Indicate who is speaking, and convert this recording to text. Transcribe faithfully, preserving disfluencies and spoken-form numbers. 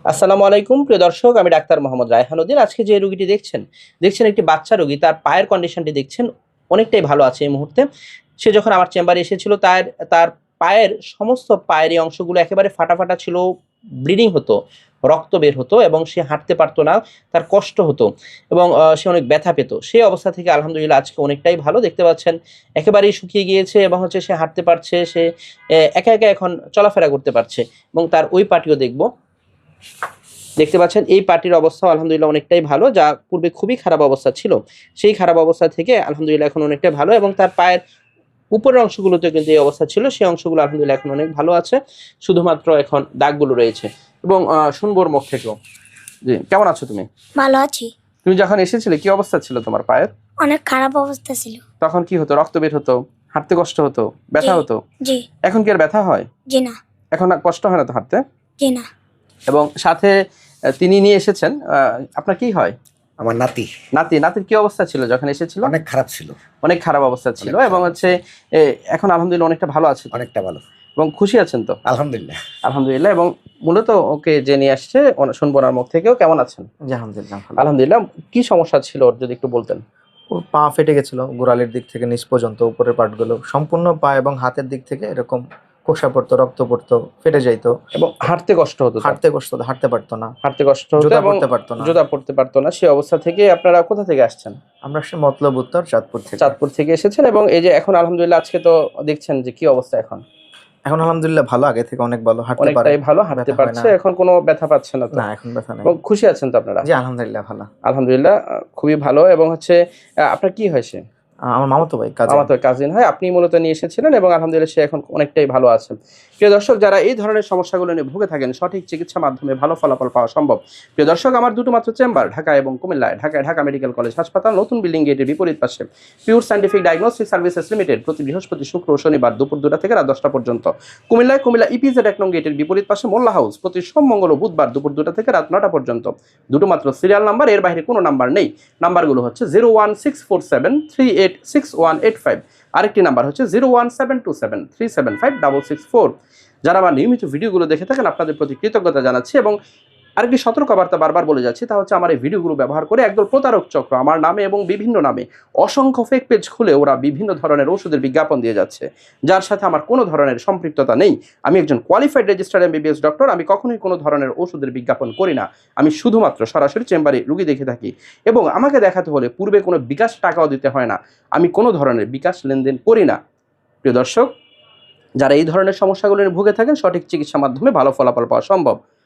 Speaker 1: আসসালামু আলাইকুম প্রিয় দর্শক, আমি ডাক্তার মোহাম্মদ রায়হানুদ্দিন। আজকে যে রোগীটি দেখছেন দেখছেন একটি বাচ্চা রোগী। তার পায়ের কন্ডিশনটি দেখছেন অনেকটাই ভালো আছে এই মুহূর্তে। সে যখন আমার চেম্বারে এসেছিল তার তার পায়ের সমস্ত পায়ের এই অংশগুলো একেবারে ফাটা ফাটা ছিল, ব্লিডিং হতো, রক্ত বের হতো এবং সে হাঁটতে পারতো না, তার কষ্ট হতো এবং আহ, সে অনেক ব্যথা পেত। সেই অবস্থা থেকে আলহামদুলিল্লাহ আজকে অনেকটাই ভালো দেখতে পাচ্ছেন, একেবারেই শুকিয়ে গিয়েছে এবং হচ্ছে সে হাঁটতে পারছে, সে আহ, একা একা এখন চলাফেরা করতে পারছে। এবং তার ওই পাটিও দেখবো, দেখতে পাচ্ছেন এই পার্টির অবস্থা আলহামদুলিল্লাহ অনেকটাই ভালো, যা পূর্বে খুবই খারাপ অবস্থা ছিল সেই খারাপ অবস্থা থেকে আলহামদুলিল্লাহ এখন অনেকটাই ভালো। এবং তার পায়ের উপরের অংশগুলোতে কিন্তু এই অবস্থা ছিল, সেই অংশগুলো আলহামদুলিল্লাহ এখন অনেক ভালো আছে, শুধুমাত্র এখন দাগগুলো রয়েছে। এবং আহ, শুনবো ওর মুখ থেকেও। জি, কেমন আছো তুমি?
Speaker 2: ভালো আছি।
Speaker 1: তুমি যখন এসেছিলে কি অবস্থা ছিল তোমার পায়ের?
Speaker 2: অনেক খারাপ অবস্থা ছিল।
Speaker 1: তখন কি হতো? রক্ত বের হতো, হাঁটতে কষ্ট হতো, ব্যথা
Speaker 2: জি।
Speaker 1: হতো?
Speaker 2: জি।
Speaker 1: এখন কি আর ব্যথা হয়?
Speaker 2: জি না।
Speaker 1: এখন আর কষ্ট হয় না তো হাঁটতে?
Speaker 2: জি না।
Speaker 1: এবং সাথে আহ, তিনি নিয়ে এসেছেন, আহ, আপনার কি হয়?
Speaker 3: আমার নাতি
Speaker 1: নাতি নাতির কি অবস্থা ছিল যখন এসেছিল?
Speaker 3: অনেক খারাপ ছিল,
Speaker 1: অনেক খারাপ অবস্থা ছিল
Speaker 3: অনেক
Speaker 1: এবং
Speaker 3: খারাপ
Speaker 1: হচ্ছে এ, এখন আলহামদুলিল্লাহ অনেকটা ভালো আছে তো?
Speaker 3: অনেকটা ভালো,
Speaker 1: এবং খুশি আছেন তো?
Speaker 3: আলহামদুলিল্লাহ।
Speaker 1: আলহামদুলিল্লাহ। এবং মূলত ওকে যে নিয়ে আসছে ওনা- শুনবো ওনার মুখ থেকেও। কেমন আছেন?
Speaker 4: জি আলহামদুলিল্লাহ ভালো।
Speaker 1: আলহামদুলিল্লাহ। কি সমস্যা ছিল ওর যদি একটু বলতেন?
Speaker 4: ওর পা ফেটে গেছিল গোড়ালির দিক থেকে নিচ পর্যন্ত, উপরের পার্টগুলো সম্পূর্ণ পা এবং হাতের দিক থেকে এরকম কোষা পড়তো, রক্ত পড়তো, ফেটে যাইতো,
Speaker 1: এবং হাঁটতে কষ্ট হতো তার?
Speaker 4: হাঁটতে কষ্ট হতো, হাঁটতে পারতো না,
Speaker 1: হাঁটতে কষ্ট হতো
Speaker 4: জুতা
Speaker 1: এবং
Speaker 4: পরতে পারতো না।
Speaker 1: জুতা পড়তে পারতো না। সেই অবস্থা থেকে আপনারা কোথা থেকে আসছেন?
Speaker 4: আমরা সে মতলব উত্তর চাঁদপুর থেকে।
Speaker 1: চাঁদপুর থেকে এসেছেন এবং এই যে এখন আলহামদুলিল্লাহ আজকে তো দেখছেন যে কি অবস্থা এখন?
Speaker 4: এখন আলহামদুলিল্লাহ ভালো, আগে থেকে অনেক ভালো, হাঁটতে পারে,
Speaker 1: অনেকটাই ভালো, হাঁটতে
Speaker 4: ব্যথা হয়
Speaker 1: পারছে,
Speaker 4: না।
Speaker 1: এখন কোনো ব্যথা পাচ্ছে না তো?
Speaker 4: না এখন ব্যথা নেই।
Speaker 1: এবং খুশি আছেন তো আপনারা?
Speaker 4: জি আলহামদুলিল্লাহ ভালো।
Speaker 1: আলহামদুলিল্লাহ, আহ, খুবই ভালো। এবং হচ্ছে আহ, আপনার কি হয়েছে?
Speaker 4: আহ, আমার মামাতো ভাই কাজে।
Speaker 1: আমার তো কাজিন হয়, আপনি মূলত নিয়ে এসেছিলেন এবং আলহামদুলিল্লাহ সে এখন অনেকটাই ভালো আছে। প্রিয় দর্শক, যারা এই ধরনের সমস্যাগুলো নিয়ে ভুগে থাকেন, সঠিক চিকিৎসা মাধ্যমে ভালো ফলাফল পাওয়া সম্ভব। প্রিয় দর্শক, আমার দুটো মাত্র চেম্বার ঢাকা এবং কুমিল্লায়। ঢাকায় ঢাকা মেডিকেল কলেজ হাসপাতাল, নতুন বিল্ডিং গেটের বিপরীত পাশে pure scientific diagnostic services limited, প্রতি বৃহস্পতি শুক্র ও শনিবার দুপুর দুটা থেকে রাত দশটা পর্যন্ত। কুমিল্লায় কুমিল্লা ইপিজেড এক নং গেটের বিপরীত পাশে মোল্লা হাউস, প্রতি সোম মঙ্গল ও বুধবার দুপুর দুটা থেকে রাত নটা পর্যন্ত। দুটো মাত্র সিরিয়াল নাম্বার, এর বাইরে কোনো নাম্বার নেই। নাম্বারগুলো হচ্ছে zero one six four seven three eight six one eight five, আরেকটি নাম্বার হচ্ছে zero one seven two seven three seven five double six four. যারা আমার নিয়মিত ভিডিওগুলো দেখে থাকেন আপনাদের প্রতি কৃতজ্ঞতা জানাচ্ছি। এবং আরেকটি সতর্কবার্তা বারবার বলে যাচ্ছি, তা হচ্ছে আমার এই ভিডিওগুলো ব্যবহার করে একদল প্রতারক চক্র আমার নামে এবং বিভিন্ন নামে অসংখ্য ফেক পেজ খুলে ওরা বিভিন্ন ধরনের ওষুধের বিজ্ঞাপন দিয়ে যাচ্ছে, যার সাথে আমার কোনো ধরনের সম্পৃক্ততা নেই। আমি একজন কোয়ালিফাইড রেজিস্টার্ড এমবিবিএস ডক্টর, আমি কখনোই কোনো ধরনের ওষুধের বিজ্ঞাপন করি না। আমি শুধুমাত্র সরাসরি চেম্বারে রুগী দেখে থাকি এবং আমাকে দেখাতে হলে পূর্বে কোনো বিকাশ টাকাও দিতে হয় না। আমি কোনো ধরনের বিকাশ লেনদেন করি না। প্রিয় দর্শক, যারা এই ধরনের সমস্যাগুলো নিয়ে ভুগে থাকেন, সঠিক চিকিৎসা মাধ্যমে ভালো ফলাফল পাওয়া সম্ভব।